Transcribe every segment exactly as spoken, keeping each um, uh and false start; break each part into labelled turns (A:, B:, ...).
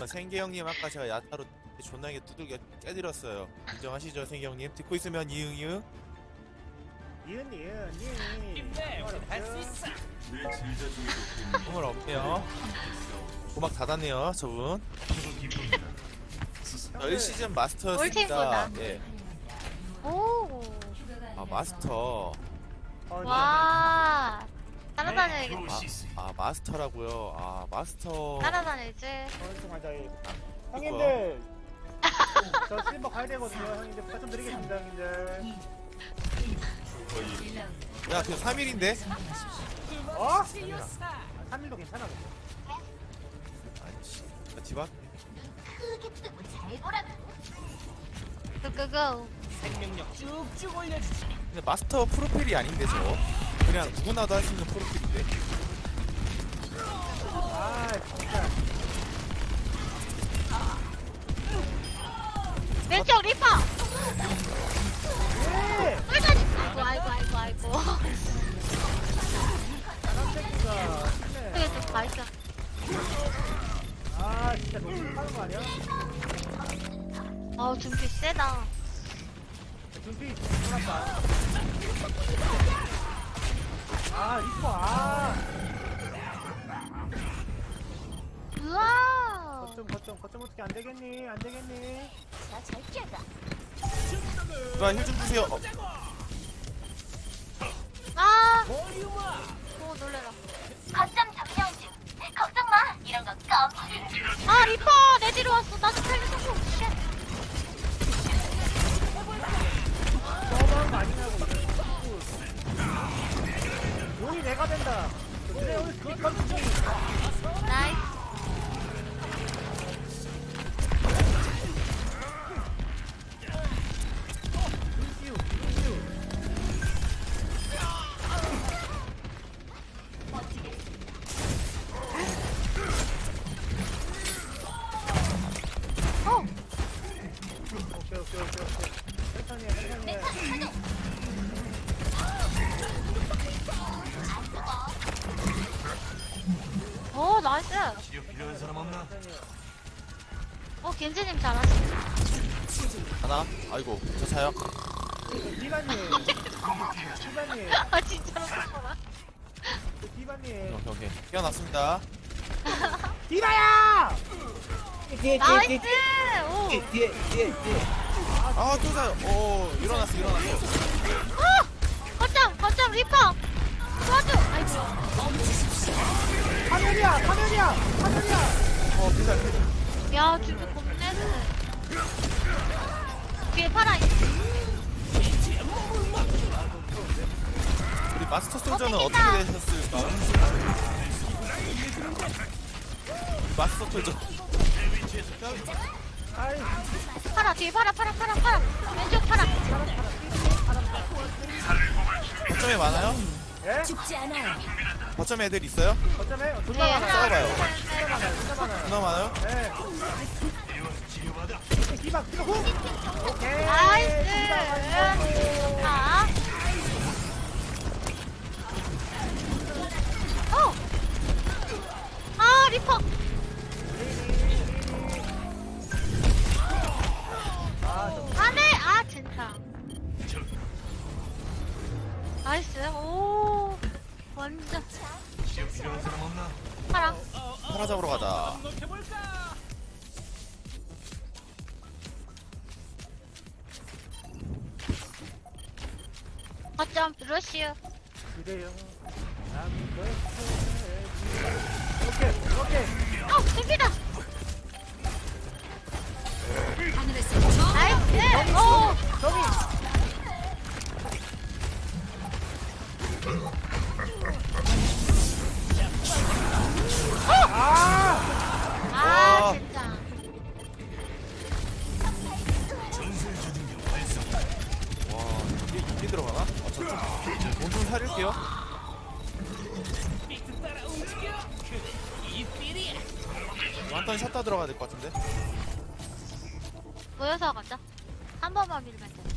A: 생계 형님 아까 제가 야타로 존나게 두들겨 깨드렸어요. 인정하시죠, 생계 형님? 듣고 있으면 이응 이응.
B: 이은 이은 이은
C: 할수 있어.
A: 꿈을 없네요. 고막 닫았네요, 저분. 저 일 시즌 마스터였습니다.
D: 올팀보다.
A: 예.
D: 오.
A: 아 마스터.
D: 와. 따라다녀야겠다.
A: 아, 아 마스터라고요. 아 마스터.
D: 따라다녀야지.
B: 하자. 형님들 저 실버 가야 되거든요. 형님들 부탁 좀 드리겠습니다. 형님들.
A: 야, 그 삼 일인데?
B: 어? 삼 일도 괜찮아.
A: 아니 씨. 나 디바.
D: 고고고.
C: 생명력 쭉쭉 올려주지.
A: 근데 마스터 프로필이 아닌데 저. 그냥 누구나도 할 수 있는 프로필인데.
B: 아 진짜.
D: 왼쪽 리퍼.
B: 예.
D: 빨간. 아이고 아이고 아이고 아이고.
B: 사람 새끼가.
D: 그게 좀 맛있어.
B: 아 진짜 너무 하는 거 아니야?
D: 어우 준비 세다.
B: 준비 끝났다. 아 리퍼 아.
D: 우와.
B: 거점 거점 거점 어떻게 안 되겠니? 안 되겠니?
D: 나잘 뛰어다.
A: 누가 힐좀 주세요. 어,
D: 아.
C: 볼륨아.
D: 오 놀래라.
E: 거점 점령 중. 걱정 마. 이런 건 껌.
D: 아 리퍼 내 뒤로 왔어. 나도 살려줘. 쉣.
B: 너무한 거 아니냐고. 용이 내가 된다. 그래 오늘 그것 좀.
D: 나이스.
B: 루시우 루시우.
D: 어.
B: 오케이 오케이 오케이 오케이. 천천히 해 천천히 해.
D: 오 나이스.
C: 필요한 사람 없나?
D: 어 겐지님 잘하시네.
A: 하나. 아이고, 저 차요.
B: 디바님. 디바님.
D: 아 진짜로 그렇구나.
B: 디바님.
A: 오케이, 오케이. 깨어났습니다.
B: 디바야!
D: 나이스. 오.
A: 아, 또 자요. 오, 일어났어, 일어났어.
D: 어! 거점! 거점 리퍼! 도와줘! 아이고
B: 화면이야! 화면이야! 화면이야!
A: 어, 피자, 피자.
D: 야 진짜 겁내네. 뒤에 파라 있어.
A: 우리 마스터 솔저는
D: 어,
A: 어떻게
D: 땡긴다.
A: 되셨을까? 마스터 솔저.
B: 아이,
D: 파라 뒤에 파라 파라 파라 파라 왼쪽 파라.
A: 거점에 많아요?
B: 예?
A: 거점 애들 있어요?
B: 어쩌면
D: 네
B: 존나 많아요.
A: 싸워봐요.
D: 하나 둘, 셋, 넷.
B: 존나 많아요.
A: 누나 많아요?
B: 예. 디바, 디바 후! 오케이.
D: 나이스.
B: 디바
D: 좋다. 어! 아 리퍼!
B: 아, 저
D: 안해! 아 진짜. 나이스. 오 완전
C: 필요한 사람 없나?
D: 파라.
A: 파라 잡으러 가자.
C: 해볼까?
D: 거점 러시우.
B: 그래요. 난 그렇게. 오케이, 오케이.
D: 어 땡기다. 나이스. 오.
B: 저기. 아!
D: 아
A: 와.
D: 진짜.
A: 와, 이게, 이게 들어가나? 아, 저쪽. 몸좀 사릴게요.
C: 따라 움직여. 이 필이야.
A: 완전 샷다 들어가야 될 것 같은데?
D: 모여서 가자. 한 번만 밀면 돼.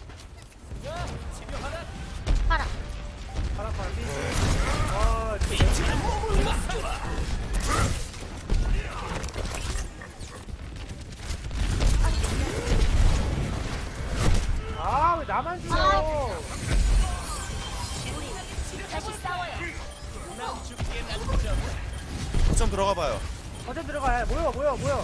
C: 집에 하나.
D: 파라.
B: 파라, 파라, 삐. 와, 진짜.
A: 거점 들어가봐요.
B: 거점 들어가. 모여 모여 모여.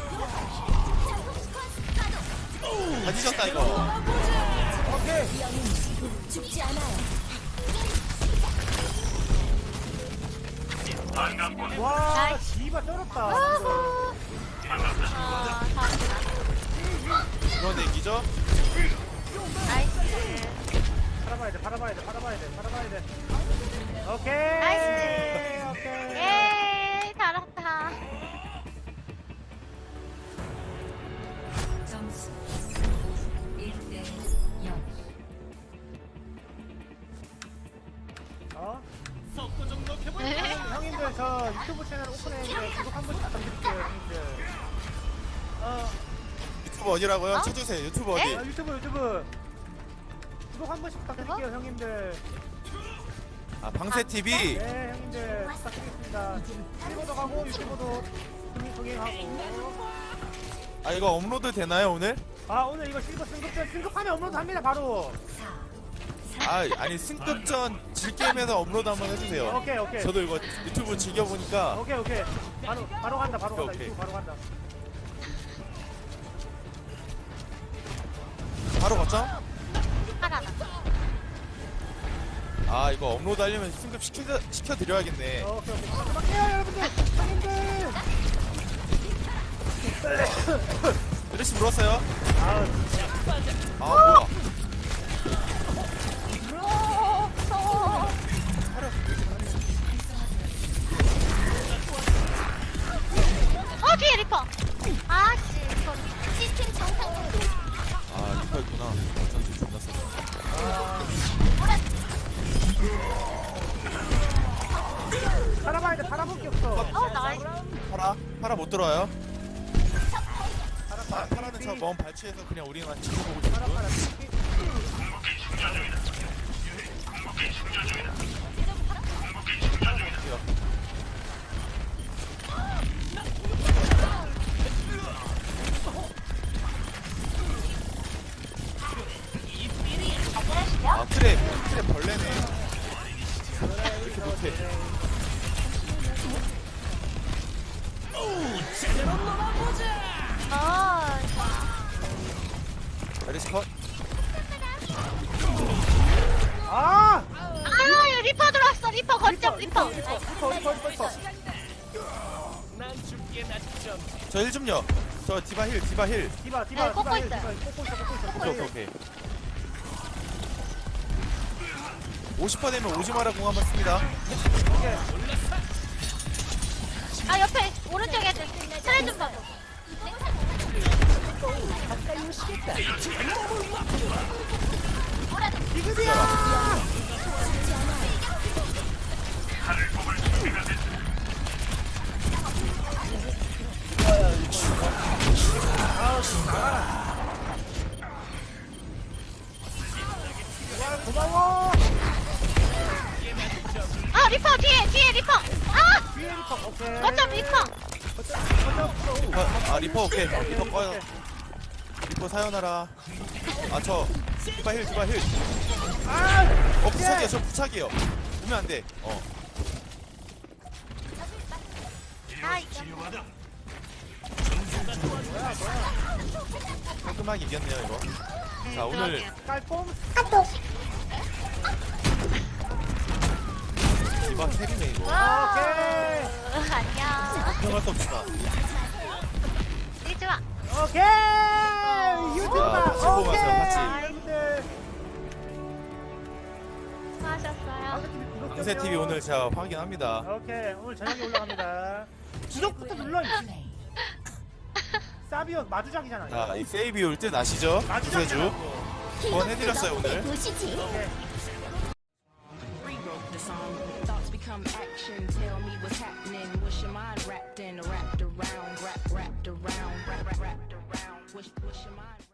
A: 다 뒤졌다 이거.
B: 오케이.
E: 죽지 않아요.
B: 와
D: 나이스.
B: 씨발 쩔었다.
D: 아후. 아, 잘한다.
A: 이건 얘기죠?
D: 나이스.
B: 팔아봐야 돼. 팔아봐야 돼. 팔아봐야 돼. 팔아봐야 돼. 오케이.
D: 나이스.
B: 오케이.
D: 예, 잘한다.
E: 점수 일 대 영.
B: 어?
C: 속도 좀 높여볼까?
D: 네.
B: 형님들 저 유튜브 채널 오픈했는데 구독 한 번씩 부탁드릴게요 형님들. 어,
A: 유튜브 어디라고요?
D: 어?
A: 쳐주세요. 유튜브
D: 네?
A: 어디?
B: 어, 유튜브 유튜브 구독 한 번씩 부탁드릴게요 형님들.
A: 아 방새 티비.
B: 네 형님들 부탁드리겠습니다. 실버도 가고 유튜브도 동행 동행하고.
A: 아 이거 업로드 되나요 오늘?
B: 아 오늘 이거 실버 승급전 승급하면 업로드합니다 바로.
A: 아 아니 승급전 질게임에서 업로드 한번 해주세요.
B: 오케이 오케이.
A: 저도 이거 유튜브 즐겨보니까
B: 오케이 오케이. 바로 바로 간다 바로 간다
A: 오케이,
B: 유튜브 바로 간다.
A: 바로 거점?
D: 하나다.
A: 아 이거 업로드 하려면 승급 시켜, 시켜드려야겠네.
B: 어, 오케이 오케이. 막해요 여러분들 형님들.
A: 드레시 물었어요?
B: 아
A: 아 뭐야?
D: 어, 뒤에 리퍼. 아씨, 소리.
E: 시스템 정상 작동.
A: 아 리퍼 있구나. 어쩐지 존나 세.
B: 팔아봐야 돼 팔아볼 게 없어.
D: 어, 나이스.
A: 파라? 파라 못 들어와요? 파, 파라는 저 먼 발치에서 그냥 우리만 지켜보고
B: 팔아
A: 있고.
B: 팔아.
A: 아 트랩 트랩 벌레네. 이렇게 못해.
D: 아,
A: 메리시 컷.
B: 아!
D: 아, 리퍼 들어왔어. 리퍼 거점 리퍼.
B: 리퍼 리퍼 리퍼 리퍼.
C: 난 죽게 낮점.
A: 저 힐 좀요. 저 디바 힐 디바 힐.
B: 디바
D: 네,
B: 디바
D: 꽂고
B: 디바 힐,
D: 있어요.
B: 디바 힐. 꽂고 있어 꽂고 있어 꽂고
A: 오케이 오케이
B: 있어.
A: 오케이. 오십 퍼센트 되면 오지마라 공 한번 씁니다.
D: 아, 옆에 오른쪽에 트레 좀 봐줘.
B: 고마워.
D: 아, 리퍼 뒤에 뒤에 리퍼. 아,
B: 뒤에 리퍼. 오케이.
D: 거점 리퍼.
A: 아, 아 리퍼 오케이. 리퍼 꺼요. 리퍼 사연하라. 아 저 디바 힐 디바 힐.
B: 아!
A: 어 부착이야 저 부착이에요. 보면 안 돼. 어.
D: 아, 이거.
A: 깔끔하게 이겼네요 이거. 자 오늘
B: 깔꼼.
A: 디바 캐리네 이거.
D: 와,
B: 오케이.
D: 안녕.
A: 걱정할 수 없다.
D: 이 좋아.
B: 오케이. 유튜브.
A: 자, 같이 보면서
B: 오케이.
A: 같이.
B: 여러분들.
D: 수고하셨어요.
A: 방새 티비 오늘 제가 확인합니다.
B: 오케이. 오늘 저녁에 올라갑니다. 구독부터 눌러. 사비오 마주작이잖아.
A: 자 이 세이비 올 듯 아시죠? 구세주 번 해드렸어요 오늘.
E: 보시지.
B: 오케이.
F: Rewrote the song. Thoughts become action. Tell me what's happening. What's your mind wrapped in? Wrapped around, wrap, wrapped around, wrap, wrap, wrapped around. What's, what's your mind?